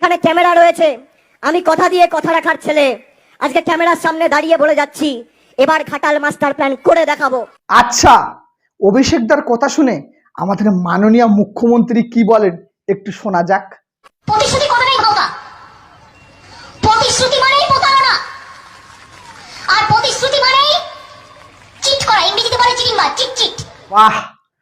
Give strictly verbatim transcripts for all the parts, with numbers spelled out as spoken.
এখানে ক্যামেরা রয়েছে, আমি কথা দিয়ে কথা রাখার ছেলে। আজকে ক্যামেরার সামনে দাঁড়িয়ে বলে যাচ্ছি, এবার ঘাটাল মাস্টার প্ল্যান করে দেখাবো। আচ্ছা, অভিষেকদার কথা শুনে আমাদের মাননীয় মুখ্যমন্ত্রী কি বলেন একটু শোনা যাক। প্রতিশ্রুতি কথাটাই ভাঙা, প্রতিশ্রুতি মানেই প্রতারণা, আর প্রতিশ্রুতি মানেই চিট করা, ইংরেজিতে বলে চিটিং বা চিট চিট। বাহ,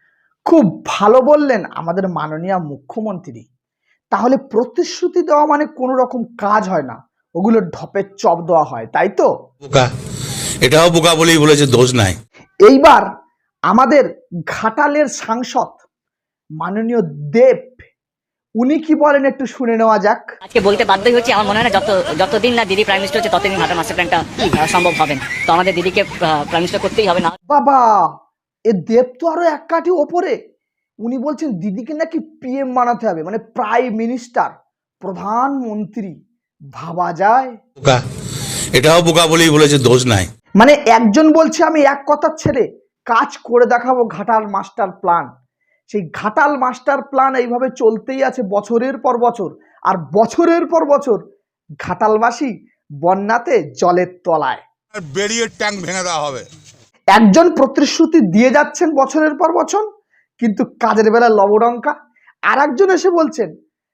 খুব ভালো বললেন আমাদের মাননীয় মুখ্যমন্ত্রী। তাহলে প্রতিশ্রুতি দেওয়া মানে কোনো রকম কাজ হয় না, ওগুলো ঢপের চপ দেওয়া হয়, তাই তো? বোকা, এটাও বোকা বলেই বলেছে, দোষ নাই। এইবার আমাদের ঘাটালের সাংসদ মাননীয় দেব, উনি কি বলেন একটু শুনে নেওয়া যাক। আজকে বলতে বাধ্যই হচ্ছে, আমার মনে হয় না যত যতদিন না দিদি প্রাইম মিনিস্টার হচ্ছে ততদিন ঘাটাল মাস্টার প্ল্যানটা সম্ভব হবে না। তো আমাদের দিদিকে প্রাইম মিনিস্টার করতেই হবে না। বাবা, এ দেব তো আরো এক কাঠি ওপরে। উনি বলছেন দিদিকে নাকি পিএম বানাতে হবে, মানে প্রাইম মিনিস্টার, প্রধানমন্ত্রী। ভাবা যায়? বোকা, এটাও বোকা বলেই বলেছে, দোষ নাই। মানে একজন বলছে আমি এক কথার ছেড়ে কাজ করে দেখাবো ঘাটাল মাস্টার প্ল্যান। সেই ঘাটাল মাস্টার প্ল্যান এইভাবে চলতেই আছে বছরের পর বছর, আর বছরের পর বছর ঘাটালবাসী বন্যাতে জলের তলায়। বেরিয়ে ট্যাঙ্ক ভেঙে দেওয়া হবে। একজন প্রতিশ্রুতি দিয়ে যাচ্ছেন বছরের পর বছর, কিন্তু কাজের বেলা লবডঙ্কা। আর একজন এসে বলছেন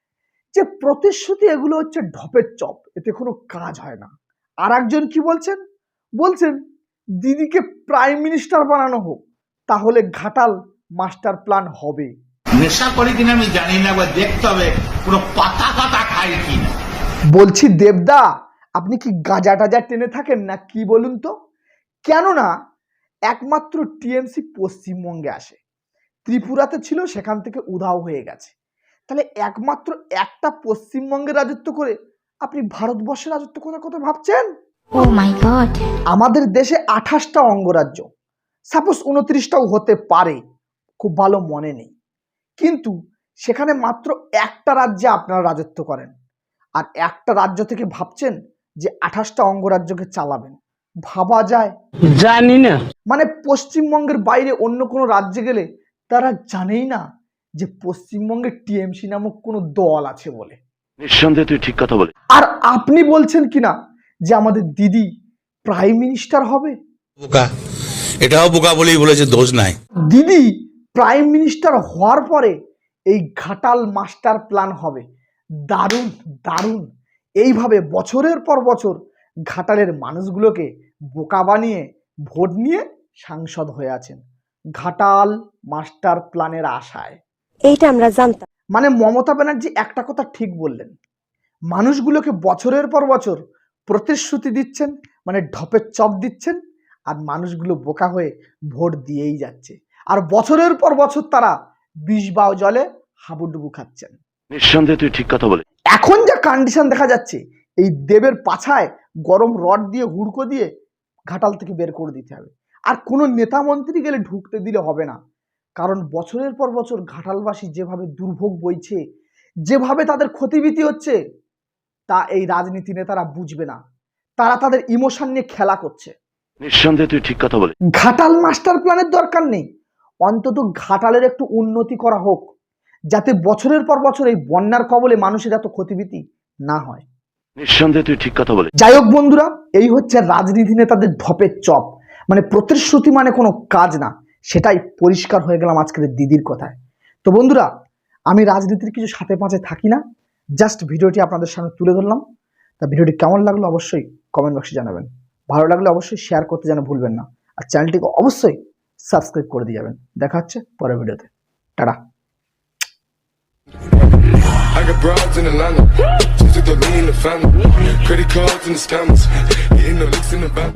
যে প্রতিশ্রুতি এগুলো হচ্ছে ঢপের চপ, এতে কোনো কাজ হয় না। আর একজন কি বলছেন, বলছেন দিদিকে প্রাইম মিনিস্টার বানানো হোক, তাহলে ঘাটাল মাস্টার প্ল্যান হবে। নেশা করি কিনা আমি জানি না, বা দেখতে হবে পুরো পাতা পাতা খাই কিনা। বলছি দেবদা, আপনি কি গাঁজা টাজা টেনে থাকেন না কি বলুন তো? কেননা একমাত্র টিএমসি পশ্চিমবঙ্গে আসে, ত্রিপুরাতে ছিল, সেখান থেকে উধাও হয়ে গেছে। তাহলে একমাত্র একটা পশ্চিমবঙ্গে রাজত্ব করে আপনি ভারতবর্ষের রাজত্ব করার কথা ভাবছেন? Oh my god. আমাদের দেশে আঠাশটা অঙ্গরাজ্য, সাপোজ উনত্রিশটাও হতে পারে, খুব ভালো মনে নেই, কিন্তু সেখানে মাত্র একটা রাজ্যে আপনারা রাজত্ব করেন, আর একটা রাজ্য থেকে ভাবছেন যে আঠাশটা অঙ্গরাজ্যকে চালাবেন। ভাবা যায়? জানি না। মানে পশ্চিমবঙ্গের বাইরে অন্য কোনো রাজ্যে গেলে তারা জানেই না যে পশ্চিমবঙ্গে টিএমসি নামক কোনো দল আছে বলে। নিঃসন্দেহে তুই ঠিক কথা বলে। আর আপনি বলছেন কিনা যে আমাদের দিদি প্রাইম মিনিস্টার হবে। বোকা, এটাও বোকা বলেই বলেছে, দোষ নাই। দিদি প্রাইম মিনিস্টার হওয়ার পরে এই ঘাটাল মাস্টার প্ল্যান হবে। দারুণ দারুণ। এইভাবে বছরের পর বছর ঘাটালের মানুষগুলোকে বোকা বানিয়ে ভোট নিয়ে সাংসদ হয়ে আছেন ঘাটাল মাস্টার প্ল্যানের আশায়। এইটা আমরা জানতাম। মানে মমতা ব্যানার্জি একটা কথা ঠিক বললেন, মানুষগুলোকে বছরের পর বছর প্রতিশ্রুতি দিচ্ছেন, মানে ঢপের চপ দিচ্ছেন, আর মানুষগুলো বোকা হয়ে ভোট দিয়েই যাচ্ছে, আর বছরের পর বছর তারা বিষ বাও জলে হাবুডুবু খাচ্ছেন। নিঃসন্দেহে তুই ঠিক কথা বলে। এখন যা কন্ডিশন দেখা যাচ্ছে, এই দেবের পাছায় গরম রড দিয়ে হুড়কো দিয়ে ঘাটাল থেকে বের করে দিতে হবে। আর কোনো নেতা মন্ত্রী গেলে ঢুকতে দিলে হবে না, কারণ বছরের পর বছর ঘাটালবাসী যেভাবে দুর্ভোগ বইছে, যেভাবে তাদের ক্ষতিবিতি হচ্ছে, তা এই রাজনীতি নেতারা বুঝবে না। তারা তাদের ইমোশন নিয়ে খেলা করছে। নিঃসন্দেহে তুই ঠিক কথা বলে। ঘাটাল মাস্টার প্ল্যানের দরকার নেই, অন্তত ঘাটালের একটু উন্নতি করা হোক, যাতে বছরের পর বছর এই বন্যার কবলে মানুষের এত ক্ষতিবিতি না হয়। নিঃসন্দেহে তুই ঠিক কথা বলে। যাই হোক বন্ধুরা, এই হচ্ছে রাজনীতি নেতাদের ঢপের চপ, মানে প্রতিশ্রুতি মানে কোনো কাজ না, সেটাই পরিষ্কার হয়ে গেলাম আজকের দিদির কথায়। তো বন্ধুরা, আমি রাজনীতির কিছু সাথে পাঁচে থাকি না, জাস্ট ভিডিওটি আপনাদের সামনে তুলে ধরলাম। তা ভিডিওটি কেমন লাগলো অবশ্যই কমেন্ট বক্সে জানাবেন, ভালো লাগলে অবশ্যই শেয়ার করতে যেন ভুলবেন না, আর চ্যানেলটিকে অবশ্যই সাবস্ক্রাইব করে দিয়ে যাবেন। দেখা হচ্ছে পরের ভিডিওতে, tata. I got broads in Atlanta, just to throw me in the family. Credit cards and the scammers, hitting the licks in the back.